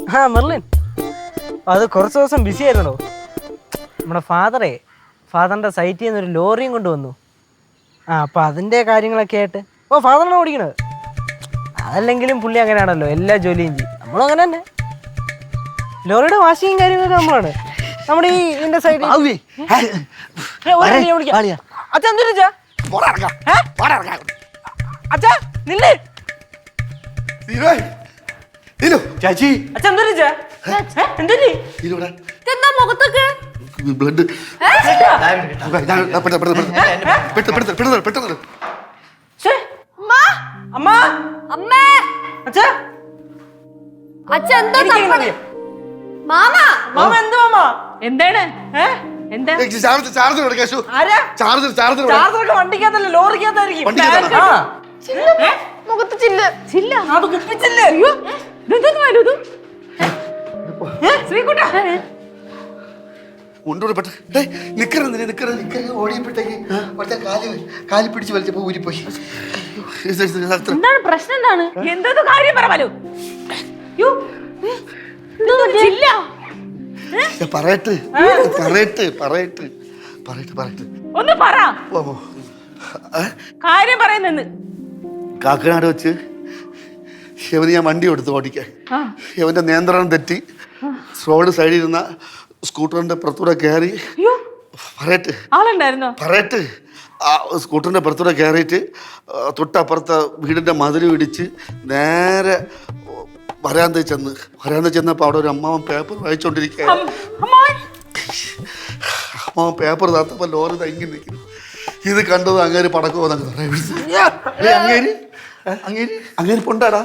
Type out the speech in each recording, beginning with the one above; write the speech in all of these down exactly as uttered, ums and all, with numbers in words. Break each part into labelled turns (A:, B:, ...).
A: ആ മെർലിൻ, അത് കുറച്ച് ദിവസം ബിസി ആയിരുന്നോ. നമ്മുടെ ഫാദറേ ഫാദറിൻ്റെ സൈറ്റിൽ നിന്ന് ഒരു ലോറിയും കൊണ്ടുവന്നു. ആ അപ്പം അതിൻ്റെ കാര്യങ്ങളൊക്കെ ആയിട്ട് ഓ ഫാദറിനെ ഓടിക്കണത്. അതല്ലെങ്കിലും പുള്ളി അങ്ങനെയാണല്ലോ, എല്ലാ ജോലിയും ചെയ്യും. നമ്മളും അങ്ങനെ തന്നെ. ലോറിയുടെ വാഷിങ്ങും കാര്യങ്ങളൊക്കെ നമ്മളാണ്. നമ്മുടെ ഈ ഇതിൻ്റെ സൈഡിൽ അച്ഛാ എന്തിനാ അച്ഛാ നില്ലേ
B: ചേച്ചി
C: മുഖത്തൊക്കെ
B: ബ്ലഡ്
C: എന്താണ്
A: വണ്ടിക്കകത്തല്ല ലോറിക്കകത്തായിരിക്കും.
C: മുഖത്ത് ചില്ല് ചില്ല
A: അത് കുപ്പിച്ചില്ലേ?
B: കൊണ്ടുപോയിട്ട് നിക്കറെന്തിനാ നിക്കറ നിക്കറ ഓടിയപ്പോഴത്തേക്ക് അവിടുത്തെ കാല് കാലി പിടിച്ച് വലിച്ചപ്പോ ഊരിപ്പോയി.
C: എന്താണ് പ്രശ്നം? എന്താണ് എന്തോ കാര്യം പറയാലോ.
B: പറയട്ട് പറയട്ട് പറയട്ട് പറയട്ട് പറയട്ട്
C: ഒന്ന് പറ. കാര്യം പറയുന്നെന്ന്
B: കാക്കനാട് വെച്ച് യവന് ഞാൻ വണ്ടി കൊടുത്തു ഓടിക്കാൻ. യവന്റെ നിയന്ത്രണം തെറ്റി റോഡ് സൈഡിൽ ഇരുന്ന സ്കൂട്ടറിന്റെ പുറത്തൂടെ കയറി പറയട്ട് പറയട്ട് ആ സ്കൂട്ടറിന്റെ പുറത്തൂടെ കയറിയിട്ട് തൊട്ടപ്പുറത്തെ വീടിന്റെ മതിൽ ഇടിച്ച് നേരെ വരാന്ത ചെന്ന് വരാന്ത ചെന്നപ്പോൾ അവിടെ ഒരു അമ്മാവൻ പേപ്പർ വായിച്ചോണ്ടിരിക്കുക. അമ്മാവൻ പേപ്പർ താത്തപ്പോൾ ലോറി തങ്ങി നിൽക്കുന്നു. ഇത് കണ്ടത് അങ്ങേര് പടക്കോ അങ്ങേര് അങ്ങേര് അങ്ങേര് പൊണ്ടാടാ.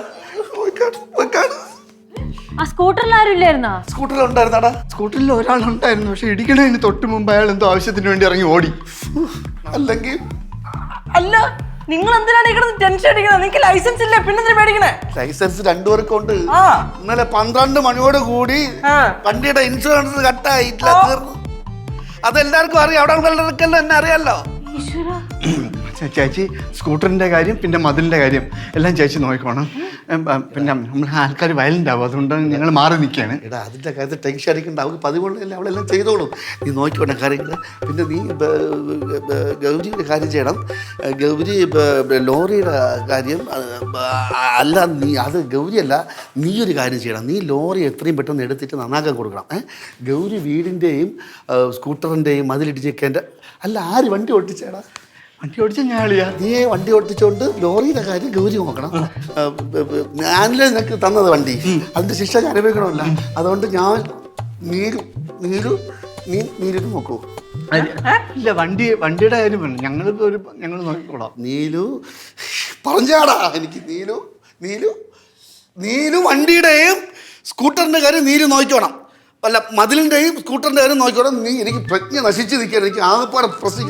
B: സ്കൂട്ടറിൽ ഉണ്ടായിരുന്നാടാ. സ്കൂട്ടറിൽ ഒരാളുണ്ടായിരുന്നു. പക്ഷെ ഇടിക്കണതിന് തൊട്ട് മുമ്പ് അയാൾ എന്തോ ആവശ്യത്തിന് വേണ്ടി ഇറങ്ങി ഓടി. അല്ലെങ്കിൽ
A: അല്ല നിങ്ങൾ എന്തിനാണ് ഇങ്ങനെ ടെൻഷൻ അടിക്കണത്? നിങ്ങൾക്ക് ലൈസൻസ് ഇല്ല, പിന്നെ പേടിക്കണേ?
B: ലൈസൻസ് രണ്ടുപേർക്കും ഉണ്ട്. ഇന്നലെ പന്ത്രണ്ട് മണിയോട് കൂടി വണ്ടിയുടെ ഇൻഷുറൻസ് കട്ടായിട്ടില്ല, തീർന്നു. അതെല്ലാവർക്കും അറിയാം. അവിടെ ഉള്ളവർക്കെല്ലാം എന്നെ അറിയാലോ. ചേച്ചി സ്കൂട്ടറിന്റെ കാര്യം പിന്നെ മതിലിന്റെ കാര്യം എല്ലാം ചേച്ചി നോക്കണം. പിന്നെ നമ്മൾ ആൾക്കാർ വയലന്റ് ആവും, അതുകൊണ്ട് ഞങ്ങൾ മാറി നിൽക്കുകയാണ്. എടാ അതിൻ്റെ കാര്യത്തിൽ ടെൻഷൻ അടിക്കണ്ട, അവൾക്ക് പതിവുള്ളതല്ല, അവളെല്ലാം ചെയ്തോളും. നീ നോക്കിക്കോണം കാര്യങ്ങൾ. പിന്നെ നീ ഗൗരിയുടെ കാര്യം ചെയ്യണം. ഗൗരി ലോറിയുടെ കാര്യം അല്ല, നീ അത് ഗൗരിയല്ല, നീ ഒരു കാര്യം ചെയ്യണം. നീ ലോറി എത്രയും പെട്ടെന്ന് എടുത്തിട്ട് നന്നാക്കാൻ കൊടുക്കണം. ഏഹ് ഗൗരി വീടിൻ്റെയും സ്കൂട്ടറിൻ്റെയും മതിലിടിച്ചേക്കേണ്ട. അല്ല ആര് വണ്ടി ഓടിച്ചേടാ? വണ്ടി ഓടിച്ച ഞാളിയാ. നീ വണ്ടി ഓടിച്ചോണ്ട് ലോറിയുടെ കാര്യം ഗൗരി നോക്കണം. ഞാനല്ലേ നിനക്ക് തന്നത് വണ്ടി, അതിന്റെ ശിക്ഷ ഞാൻ അനുഭവിക്കണമല്ല. അതുകൊണ്ട് ഞാൻ നീരു നീരു നീ നീരിട്ട് നോക്കൂ. ഇല്ല വണ്ടി വണ്ടിയുടെ കാര്യം ഞങ്ങളിപ്പോ ഒരു ഞങ്ങൾ നോക്കിക്കോളാം. നീലു പറഞ്ഞാടാ എനിക്ക്. നീലു നീലു നീലു വണ്ടിയുടെയും സ്കൂട്ടറിന്റെ കാര്യം നീലു നോക്കിക്കോണം. അല്ല മതിലിന്റെയും സ്കൂട്ടറിന്റെ കാര്യം നോക്കിക്കോണം. നീ എനിക്ക് പ്രജ്ഞ നശിച്ച് നിൽക്കാൻ എനിക്ക് ആകെപ്പാടെ പ്രശ്നം.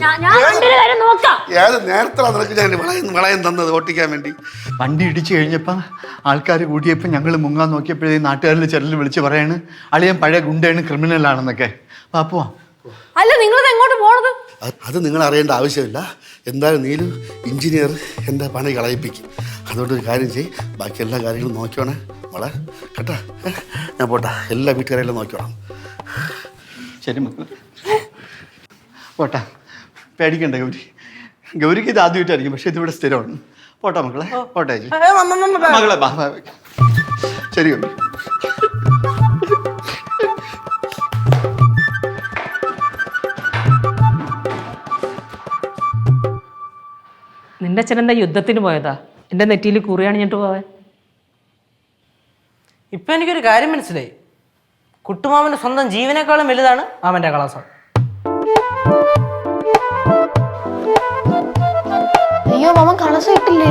B: ഏത് നേരത്തിലാണ് നിനക്ക് ഞാൻ വളയം വളയം തന്നത് ഓട്ടിക്കാൻ വേണ്ടി? വണ്ടി ഇടിച്ചു കഴിഞ്ഞപ്പോൾ ആൾക്കാർ കൂടിയപ്പോൾ ഞങ്ങൾ മുങ്ങാൻ നോക്കിയപ്പോഴേ നാട്ടുകാരിൽ ചെറിയ വിളിച്ച് പറയാണ് അളിയൻ പഴയ ഗുണ്ടയാണ്, ക്രിമിനലാണെന്നൊക്കെ. പാപ്പോ
C: അല്ല നിങ്ങൾ എങ്ങോട്ട് പോണത്?
B: അത് നിങ്ങൾ അറിയേണ്ട ആവശ്യമില്ല. എന്തായാലും നീലു എഞ്ചിനീയർ എൻ്റെ പണി കളയിപ്പിക്കും. അതുകൊണ്ട് ഒരു കാര്യം ചെയ്യും, ബാക്കി എല്ലാ കാര്യങ്ങളും നോക്കിയോണേ മോളെ കേട്ടാ. ഞാൻ പോട്ടാ, എല്ലാ വീട്ടുകാരെല്ലാം നോക്കിയോണം. ശരി മക്കൾ പോട്ടാ. പേടിക്കണ്ട ഗൗരി. ഗൗരിക്ക് ഇത് ആദ്യമായിട്ടായിരിക്കും, പക്ഷെ ഇതിവിടെ സ്ഥിരമാണ്. പോട്ടാ മക്കളെ, പോട്ടെ മകളെ. ശരി ഗൗരി.
C: നിന്റെ അച്ഛൻ എന്താ യുദ്ധത്തിന് പോയതാ? എൻ്റെ നെറ്റിയിൽ കുറിയാണിഞ്ഞിട്ട് പോവാൻ.
A: ഇപ്പം എനിക്കൊരു കാര്യം മനസ്സിലായി. കുട്ടുമാമൻ്റെ സ്വന്തം ജീവനേക്കാളും വലുതാണ് മാമൻ്റെ കളസം.
D: അയ്യോ മാമൻ കളസം ഇട്ടില്ലേ?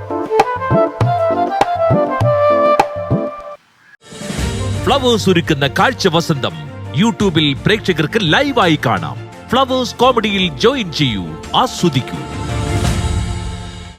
E: ഫ്ലവേഴ്സ് ഒരുക്കുന്ന കാഴ്ച വസന്തം യൂട്യൂബിൽ പ്രേക്ഷകർക്ക് ലൈവായി കാണാം. ഫ്ലവേഴ്സ് കോമഡിയിൽ ജോയിൻ ചെയ്യൂ, ആസ്വദിക്കൂ.